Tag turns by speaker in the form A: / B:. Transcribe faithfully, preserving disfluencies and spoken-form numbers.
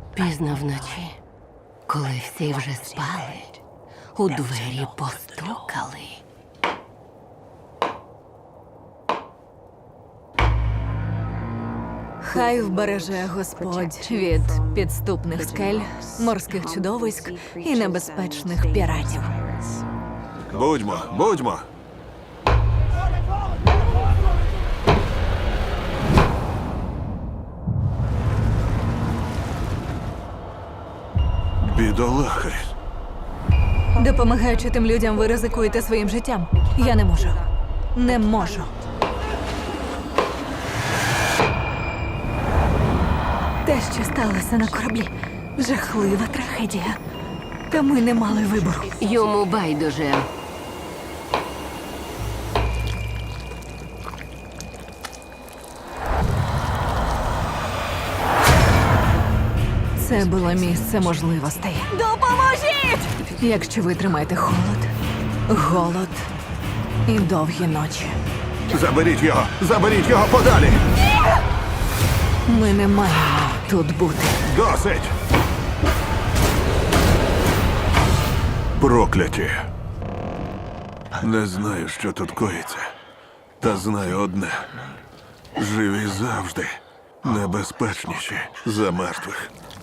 A: Пізно вночі, коли всі вже спали, у двері постукали.
B: Хай вбереже Господь від підступних скель, морських чудовиськ і небезпечних піратів.
C: Будьмо, будьмо. Бідолахи.
B: Допомагаючи тим людям, ви ризикуєте своїм життям. Я не можу. Не можу. Те, що сталося на кораблі, жахлива трагедія. Та ми не мали вибору.
A: Йому байдуже.
B: Це було місце можливостей. Допоможіть! Якщо ви тримаєте холод, голод і довгі ночі.
C: Заберіть його! Заберіть його подалі!
B: Ми не маємо тут бути.
C: Досить! Прокляті. Не знаю, що тут коїться. Та знаю одне. Живі завжди небезпечніші за мертвих.